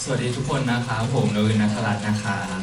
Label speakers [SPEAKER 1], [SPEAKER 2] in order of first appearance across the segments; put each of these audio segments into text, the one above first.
[SPEAKER 1] วัสดีทุกคนนะครับผมนวิน ณ ัฐรัตน์นะครับ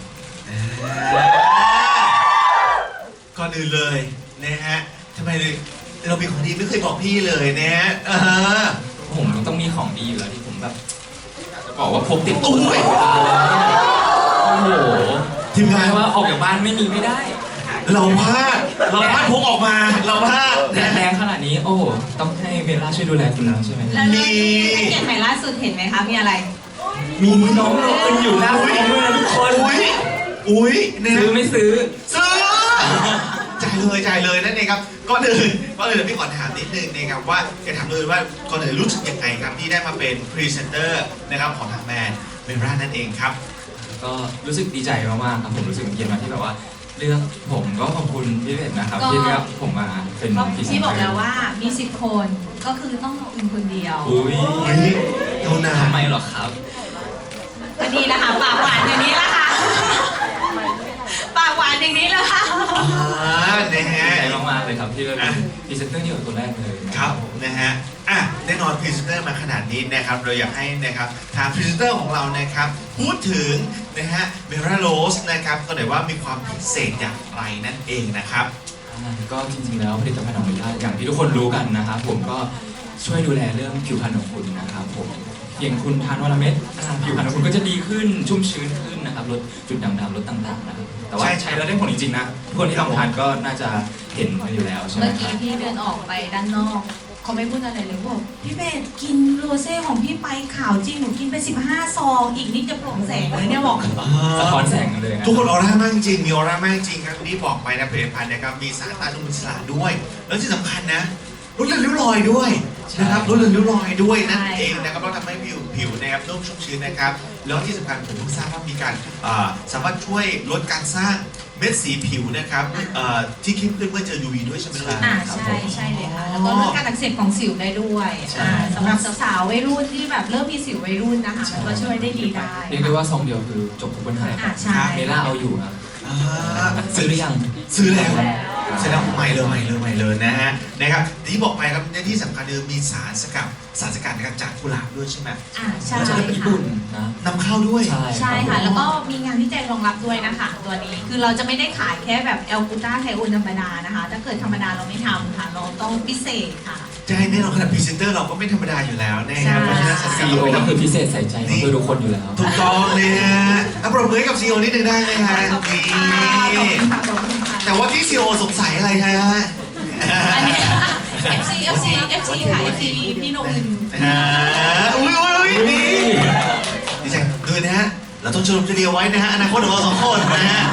[SPEAKER 2] ก่อนอื่นเลยนะฮะทำไมเรามีของดีไม่เคยบอกพี่เลยนะฮะ
[SPEAKER 1] ผมต้องมีของดีอยู่แล้วที่ผมแบบจะบอกว่าพกติดตัวตลอดเวลาโอ้โห
[SPEAKER 2] ทีมงาน
[SPEAKER 1] ว่าออกจากบ้านไม่มีไม่ได้
[SPEAKER 2] เราพลาดพกออกมาเราพลาด
[SPEAKER 1] แรงขนาดนี้โอ้โหต้องให้เบลล่าช่วยดูแลคุณแล้วใช่ไหม
[SPEAKER 3] แล้วนี่แพ็กเกจใหม่ล่าสุดเห็นไหมคะมีอะไร
[SPEAKER 1] มีน้องโรนอยู่หน้าคอมด้วยนะทุกคน
[SPEAKER 2] อุ้ย
[SPEAKER 1] ซื้อไม่ซื้อ
[SPEAKER 2] จ่ายเลยนั่นเองครับก่อนอื่นพี่ขอถามนิดนึงนะครับว่าจะถามเลยว่าก่อนอื่นรู้สึกยังไงครับที่ได้มาเป็นพรีเซนเตอร์นะครับของทางแบรนด์เบลล่านั่นเองครับ
[SPEAKER 1] ก็รู้สึกดีใจมากๆครับผมรู้สึกเกียรติมากที่แบบว่าเรื่องผมก็ขอบคุณพี่เบนนะครับที่เลือกผมมาเป็นพรีเซนเตอร์
[SPEAKER 3] ที่บอกแล้วว่ามี10 คนก็คือต้องขอบคุณคนเดียว
[SPEAKER 1] อุ้ย
[SPEAKER 2] เท่านั้น
[SPEAKER 1] ทำไมหรอครับ
[SPEAKER 3] ก็ดีละค่ะปากหวานอย่างนี้ละค่ะปากหวานอย่างนี้ละค่ะ
[SPEAKER 2] นะฮะ
[SPEAKER 1] ใจมากๆเลยครับที่เป็นพรีเซนเตอร์เดี่ยวตัวแรกเลย
[SPEAKER 2] ครับนะฮะแน่นอนพรีเซนเตอร์มาขนาดนี้นะครับเราอยากให้นะครับทางพรีเซนเตอร์ของเรานะครับพูดถึงนะฮะเบลล่าโรสนะครับก็หน่อยว่ามีความพิเศษอย่างไรนั่นเองนะครับ
[SPEAKER 1] ก็จริงๆแล้วผลิตภัณฑ์ของเบลล่าอย่างที่ทุกคนรู้กันนะครับผมก็ช่วยดูแลเรื่องผิวพรรณของคุณนะครับผมอย่างคุณทานวันละเม็ดผิวพรรณของคุณก็จะดีขึ้นชุ่มชื้นขึ้นนะครับลดจุดด่างๆลดต่างๆนะครับแต่ว่าใช้แล้วได้ผลจริงๆนะทุกคนที่ลองทานก็น่าจะเห็นกันอยู่แล้วใช่ไหม
[SPEAKER 3] เมื่อกี้พี่เดินออกไปด้านนอกเขาไม่พูดอะไรเลยบอกพี่เบสกินโรเซ่ของพี่ไปขาวจริงหนูกินไป15 ซองอีกนิดจะโปร่งแสงเลยเนี่ยบอก
[SPEAKER 1] สะท้อนแสงกันเลย
[SPEAKER 2] ทุกคนออร่ามากจริงมีออร่ามากจริงครับนี่บอกไปนะผลิตภัณฑ์นะครับมีสารต้านอนุมูลอิสระด้วยแล้วที่สำคัญนะลดเลือนริ้วรอยด้วยนะครับลดเลือนริ้วรอยด้วยนั่นเองนะครับเราทำให้ผิวนะครับนุ่มชุ่มชื้นนะครับแล้วที่สำคัญผมเพิ่งทราบว่ามีการสามารถช่วยลดการสร้างเม็ดสีผิวนะครับที่เข้มขึ้นเมื่อเจอ UV ด้วยใช่ไหมครับ
[SPEAKER 3] ใช่เลยค่ะแล้วก็ลดการอักเสบของสิวได้ด้วยสำหรับสาวๆวัยรุ่นที่แบบเริ่มมีสิววัยรุ่นนะคะก็ช่วยได้ดีได้
[SPEAKER 1] เรียกได้ว่าซองเดียวคือจบทุกปัญหาเมล่าเอาอยู่ครับซื้อหรือยัง
[SPEAKER 2] ซื้อแล้วเสร็จแล้วใหม่เลยนะฮะนะครับที่บอกไปครับที่สำคัญคือมีสารสกัดนะครับจากกุหลาบด้วยใช่ไหม
[SPEAKER 3] ใช่
[SPEAKER 1] ค่ะญี่ปุ่นนะ
[SPEAKER 2] นำเข้าด้วย
[SPEAKER 3] ใช่ค่ะแล้วก็มีงานวิจัยรองรับด้วยนะคะตัวนี้คือเราจะไม่ได้ขายแค่แบบแอลกูต้าไทโอนธรรมดานะคะถ้าเกิดธรรมดาเราไม่ทำค่ะเราต้องพิเศษค่ะ
[SPEAKER 2] ใช่แน่นอนขนาดพรีเซนเตอร์เราก็ไม่ธรรมดาอยู่แล้วนะครับเพราะฉะนั้นสารสกัด
[SPEAKER 1] เราคือพิเศษใส่ใจเพื่อทุกคนอยู่แล้ว
[SPEAKER 2] ถูกต้องเลยฮะปรบมือให้กับซีโอนิดนึงได้ไหมฮะแต่ว่าที่ซีโอสงสัยอะไรฮะ
[SPEAKER 3] FC ค่ะ FC พี่นวิน
[SPEAKER 2] อุ้ยนี่ดีใจด้วยนะฮะเราต้องชมจะเดียวไว้นะฮะอนาคตของเรา2 คนนะฮะ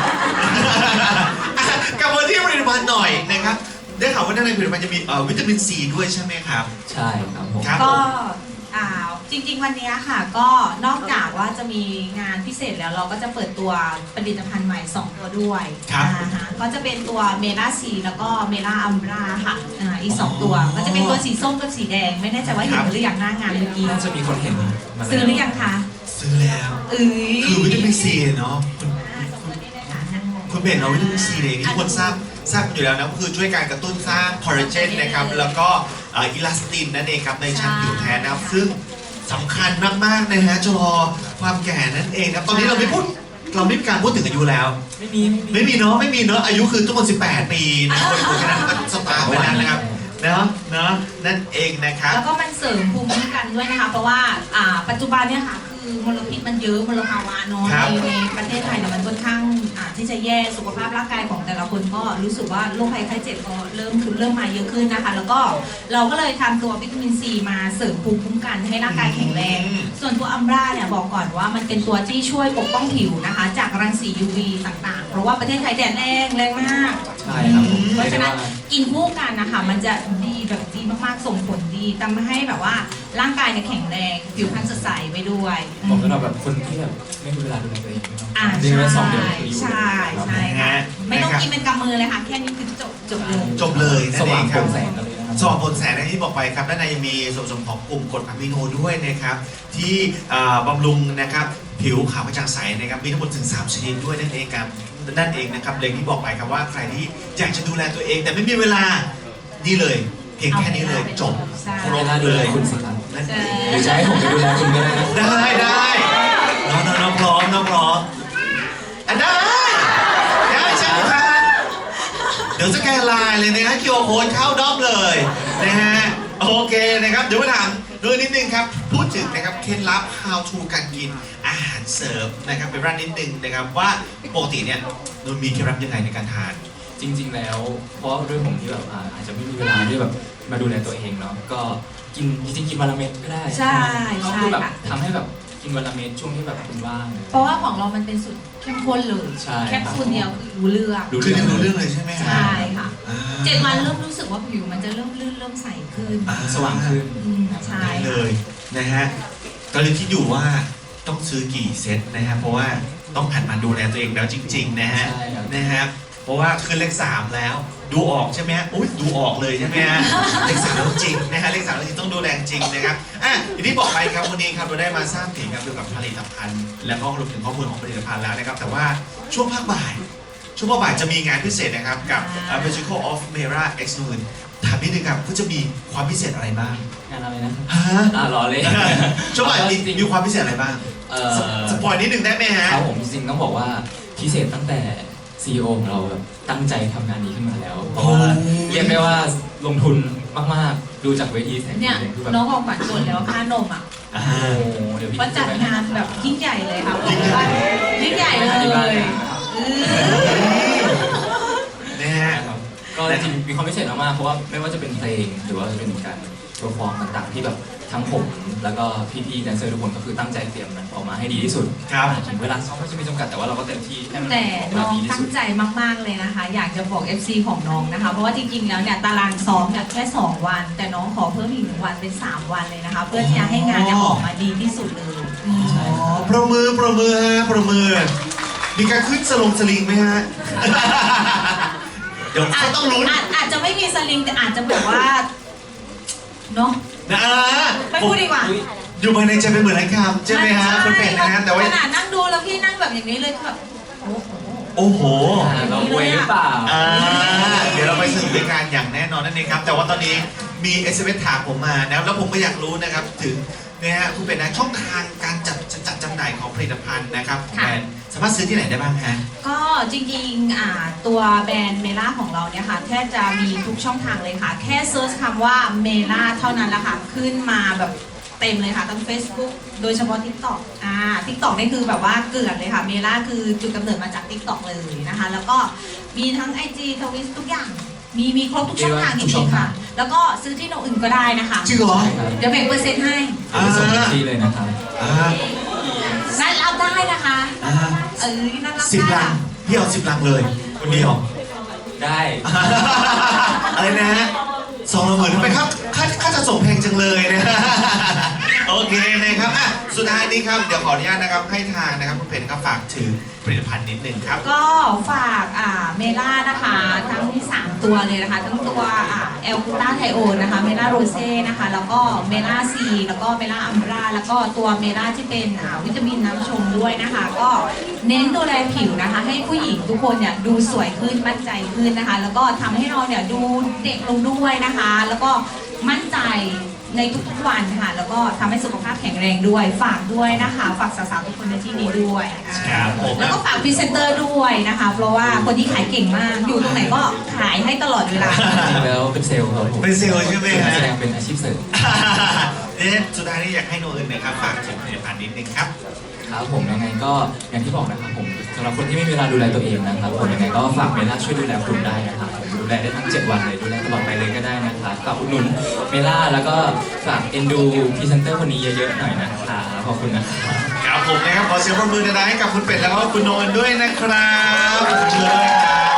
[SPEAKER 2] กลับมาที่ผลิตภัณฑ์หน่อยนะครับได้ข่าวว่าในผลิตภัณฑ์จะมีวิตามินซีด้วยใช่ไหมครับ
[SPEAKER 1] ใช่ครับผม
[SPEAKER 3] ก็จริงๆวันนี้ค่ะก็นอกจากว่าจะมีงานพิเศษแล้วเราก็จะเปิดตัวผลิตภัณฑ์ใหม่2 ตัวด้วยก็จะเป็นตัวเมล่าซีแล้วก็เมล่าอัมบราค่ะอีก2 ตัวก็จะเป็นตัวสีส้มกับสีแดงไม่แน่ใจว่าเห็นหรือยังหน้างานเมื่อกี้
[SPEAKER 1] น่าจะมีคนเห็น
[SPEAKER 3] ซื้อหรือยังคะ
[SPEAKER 2] ซื้อแล้วคือวิตามินซีเนาะคุณเบนเราวิตามินซีเลยที่คนทราบอยู่แล้วนะก็คือช่วยการกระตุ้นสร้างคอลลาเจนนะครับแล้วก็อิลาสตินนั่นเองครับในชั้นผิวแทนนะครับซึ่งสำคัญมากๆนะฮะชะลอความแก่นั่นเองครับตอนนี้เราไม่มีการพูดถึงอายุแล้วไม่มีเนาะอายุคือทุกคน18 ปีนะคนคนนั้นก็สตาร์ทไปนั้นนะครับเนาะนั่นเองนะครับ
[SPEAKER 3] แล้วก็มันเสริมภูมิคุ้มกันด้วยนะคะเพราะว่าปัจจุบันเนี่ยค่ะคือมลพิษมันเยอะมลภาวะเนาะในประเทศไทยเนี่ยมันค่อนข้างที่จะแย่สุขภาพร่างกายของแต่ละคนก็รู้สึกว่าโรคภัยไข้เจ็บก็เริ่มมาเยอะขึ้นนะคะแล้วก็เราก็เลยทำตัววิตามินซีมาเสริมภูมิคุ้มกันให้ร่างกายแข็งแรงส่วนตัวอัมบราเนี่ยบอกก่อนว่ามันเป็นตัวที่ช่วยปกป้องผิวนะคะจากรังสี UV ต่างๆเพราะว่าประเทศไทยแดดแรงมาก
[SPEAKER 1] ใช่ครับ
[SPEAKER 3] เพราะฉะนั้นกินคู่กันนะคะมันจะดีแบบดีมากๆส่งผลดีทำให้แบบว่าร่างกายเนี่ยแข็งแรงผิวพรรณสดใสไปด้วย
[SPEAKER 1] ผมสำหรับแบบคนที่แบบไม่มีเวลาดูแลตัวเอง
[SPEAKER 3] ใช่ค่ะไม่ต้องกินเป็นกำมือเลยค่ะแค่นี้คือจบ
[SPEAKER 2] เลย
[SPEAKER 1] สว่างโปร่งแสง
[SPEAKER 2] สว่างโปร่งแสงที่บอกไปครับด้านในยังมีส่วนผสมของกลุ่มกรดอะมิโนด้วยนะครับที่บำรุงนะครับผิวขาวกระจ่างใสนะครับมีทั้งหมดถึง3 ชนิดด้วยนั่นเองครับนะครับเลยที่บอกไปครับว่าใครที่อยากจะดูแลตัวเองแต่ไม่มีเวลานี่เลยเพียงแค่นี้เลยจบ
[SPEAKER 1] ครบเลยคุณสิครับหรือจะให้ผมไปดูแลคุณก็ได้นะ
[SPEAKER 2] ได้เดี๋ยวสแกนไลน์เลยนะฮะ QR Code เข้าด้อมเลยนะฮะโอเคนะครับเดี๋ยวมาถามด้วยนิดนึงครับพูดถึงนะครับเคล็ดลับ how to การกินอาหารเสริมนะครับเป็นร้านนิดนึงนะครับว่าปกติเนี่ยนนมีเคล็ดลับยังไงในการทาน
[SPEAKER 1] จริง ๆ แล้วเพราะด้วยผมที่แบบอาจจะไม่มีเวลาที่แบบมาดูแลตัวเองเนาะก็กินจริงๆกินวันละเม็ดก็ได้
[SPEAKER 3] ใช่
[SPEAKER 1] ก็
[SPEAKER 3] ใช่
[SPEAKER 1] คือแบบ
[SPEAKER 3] ค่ะ
[SPEAKER 1] ทำให้แบบกินวันละเม็ดช่วงที่แบบคุณว่าง
[SPEAKER 3] เพราะว่าของเรามันเป็นสูตรเข้มข้นเลย
[SPEAKER 1] ใช่
[SPEAKER 3] แคปซูลเดียวคือรู้เรื่อง
[SPEAKER 2] คือรู้เรื่องเลยใช่ไหมฮะ
[SPEAKER 3] ใช่ค่ะ
[SPEAKER 2] อ่า
[SPEAKER 3] 7 วันเริ่มรู้สึกว่าผิวมันจะเริ่มลื่นเริ่มใสขึ้น
[SPEAKER 2] อ่า
[SPEAKER 1] สว่างขึ้น
[SPEAKER 3] ใช่
[SPEAKER 2] ได้เลยนะฮะก็เลยคิดอยู่ว่าต้องซื้อกี่เซตนะฮะเพราะว่าต้องหันมาดูแลตัวเองแล้วจริงๆนะฮะ
[SPEAKER 1] ใช่ครับ
[SPEAKER 2] นะฮะเพราะว่าขึ้นเลข3แล้วดูออกใช่ไหมฮะอุ้ยดูออกเลยใช่ไหมฮะเลข3แล้วจริงนะฮะเลข3แล้วจริงต้องดูแลจริงนะครับอย่างที่บอกไปครับวันนี้ครับเราได้มาทราบถึงเกี่ยวกับผลิตภัณฑ์ แล้วก็รวมถึงข้อมูลของผลิตภัณฑ์แล้วนะครับแต่ว่าช่วงภาคบ่ายจะมีงานพิเศษนะครับกับ Magical of Mera X Moon ถามนิดนึงครับก็จะมีความพิเศษอะไรบ้าง
[SPEAKER 1] งานอะไรนะ
[SPEAKER 2] ฮะ
[SPEAKER 1] รอเลย
[SPEAKER 2] ช่วงบ่ายมีความพิเศษอะไรบ้าง สปอยนิดนึงได้ไหมฮะ
[SPEAKER 1] ครับผมจริงๆต้องบอกว่าพิเศษตั้งแต่ CEO ของเราแบบตั้งใจทำงานนี้ขึ้นมาแล้ว เพราะว่าเรียกได้ว่าลงทุนมากๆดูจากเวทีแสง
[SPEAKER 3] เนี่ย
[SPEAKER 1] คือแบบ
[SPEAKER 3] น้องของขวัญส่วนแล้วค่านมอ่ะ
[SPEAKER 1] โอ้โหเดี๋ยวพี่
[SPEAKER 3] ก็จัดงานแบบยิ่งใหญ่เลยค่ะ
[SPEAKER 2] ยิ่งใหญ่
[SPEAKER 3] ยิ่งใหญ่เลย
[SPEAKER 1] ที่บ้าน
[SPEAKER 2] นะฮะ
[SPEAKER 1] นะครับก็จริงๆมีความพิเศษมากๆเพราะว่าไม่ว่าจะเป็นเพลงหรือว่าจะเป็นการโชว์ฟอร์มต่างๆ ที่แบบทั้งผมแล้วก็พี่ๆแดนเซอร์ทุกคนก็คือตั้งใจเตรียมมันออกมาให้ดีที่สุด
[SPEAKER 2] ครับ
[SPEAKER 1] ถึงเวลาซ้อมก็จะมีจำกัดแต่ว่าเราก็เต็มที่ให้มัน
[SPEAKER 3] แต่
[SPEAKER 1] ออกมา
[SPEAKER 3] น้อง
[SPEAKER 1] ดีที่
[SPEAKER 3] ตั้
[SPEAKER 1] สุ
[SPEAKER 3] ง
[SPEAKER 1] ด
[SPEAKER 3] ใจมากๆเลยนะคะ อยากจะบอก FC ของน้องนะคะ เพราะว่าจริงๆแล้วเนี่ยตารางซ้อมเนี่ยแค่ 2 วัน แต่น้องขอเพิ่มอีก1 วันเป็น 3 วันเลยนะคะ เพื่อที่จะให้งานเนี่ยออกมาดีที่สุดเลยอืม
[SPEAKER 2] อ๋อประมือฮะประมือมีการขึ้นสลิงไหมฮะ เดี๋ยวก็ต้องลุ้น
[SPEAKER 3] อาจจะไม่มีสลิงแต่อาจจะแบบว่าเนาะ
[SPEAKER 2] นะ
[SPEAKER 3] ไม่พูดดีกว่า
[SPEAKER 2] อยู่ภายในใจเป็นเหมือนไรครับใช่ไหมฮะคุณเป็ดนะฮะแต่ว่า
[SPEAKER 3] ขนาดนั่งดูแล้วพี่นั่งแบบอย่างนี้เลยแบบโอ้โห
[SPEAKER 2] โอ้โห
[SPEAKER 1] เราเวหรือเปล่า
[SPEAKER 2] เดี๋ยวเราไปสนุกด้วยกันอย่างแน่นอนนั่นเองครับ แต่ว่าตอนนี้มี SMS ถามผมมานะครับแล้วผมก็อยากรู้นะครับถึงนะฮะคุณเป็ดนะช่องทางการจัดจำหน่ายของผลิตภัณฑ์นะครับของแบรนด์สามารถซื้อที่ไหนได้บ้างฮะ
[SPEAKER 3] ก็จริงๆตัวแบรนด์เมล่าของเราเนี่ยค่ะแทบจะมีทุกช่องทางเลยค่ะ แค่เซิร์ชคำว่าเมล่าเท่านั้นแหละค่ะ ขึ้นมาแบบเต็มเลยค่ะทั้ง Facebook โดยเฉพาะ TikTok TikTok นี่คือแบบว่าเกลื่อนเลยค่ะเมล่าคือจุดกำเนิดมาจาก TikTok เลยนะคะ แล้วก็มีทั้ง IG ทวิตทุกอย่าง มีครบทุกช่องทางจริงๆค่ะ แล้วก็ซื้อที่โนอื่นก็ได้นะคะ
[SPEAKER 2] จริงเหรอ
[SPEAKER 3] เดี๋ยวแบ่งเปอร์เซ็นต์ให้
[SPEAKER 1] ไปส่งที่เลยนะครับ
[SPEAKER 3] นั่นรับได้นะคะ นั่นรับ
[SPEAKER 2] สิบ
[SPEAKER 3] ได้
[SPEAKER 2] ลัง
[SPEAKER 3] ค่ะ
[SPEAKER 2] พี่เอา10 ลังเลยคนเดียว
[SPEAKER 1] ได้
[SPEAKER 2] อะไรนะฮะ2,000ทำไมครับค่าจะส่งแพงจังเลยนะ โอเคนะครับสุดท้ายนี้ครับเดี๋ยวขออนุญาตนะครับให้ทางนะครับคุณเพชรครับฝากถึงผลิตภัณฑ์นิดนึงครับ
[SPEAKER 3] ก็ฝากเมล่านะคะทั้ง 3 ตัวเลยนะคะ ทั้งตัวเอลกูต้าไทโอนนะคะเมล่าโรเซ่นะคะแล้วก็เมล่าซีแล้วก็เมล่าอัมบราแล้วก็ตัวเมล่าที่เป็นวิตามินน้ำชงด้วยนะคะ ก็เน้นดูแลผิวนะคะ ให้ผู้หญิงทุกคนเนี่ยดูสวยขึ้นมั่นใจขึ้นนะคะ แล้วก็ทำให้เราเนี่ยดูเด็กลงด้วยนะคะ แล้วก็มั่นใจในทุกๆวันค่ะ แล้วก็ทำให้สุขภาพแข็งแรงด้วยฝากด้วยนะคะฝากสาวๆทุกคนในที่นี้ด้วย
[SPEAKER 2] ครับผม
[SPEAKER 3] แล้วก็ฝากพรีเซนเตอร์ด้วยนะคะ เพราะว่าคนที่ขายเก่งมาก อยู่ตรงไหนก็ขายให้ตลอดเวลา
[SPEAKER 1] จริงๆแล้วเป็นเซลล์ครับผม
[SPEAKER 2] เป็นเซลล์ใช่ไหมฮะ
[SPEAKER 1] แสดงเป็นอาชีพเสริม
[SPEAKER 2] เนี่ยสุดท้ายนี้อยากให้โนอื่นนะครับฝากถึงผลิตภัณฑ์นิดนึงครับ
[SPEAKER 1] ครับผมยังไงก็อย่างที่บอกนะครับผมสำหรับคนที่ไม่มีเวลาดูแลตัวเองนะครับผมยังไงก็ฝากเมล่าช่วยดูแลคุณได้นะครับผมดูแลได้ทั้ง 7 วันเลยดูแลตลอดไปเลยก็ได้นะครับฝากอุดหนุนเมล่าแล้วก็ฝากเอ็นดูพรีเซนเตอร์คนนี้เยอะๆหน่อยนะครับขอบคุณนะครับ
[SPEAKER 2] ครับผมนะครับขอเสียงปรบมือดังๆให้กับคุณเป็ดแล้วก็คุณโนนด้วยนะครับขอบคุณเลยครับ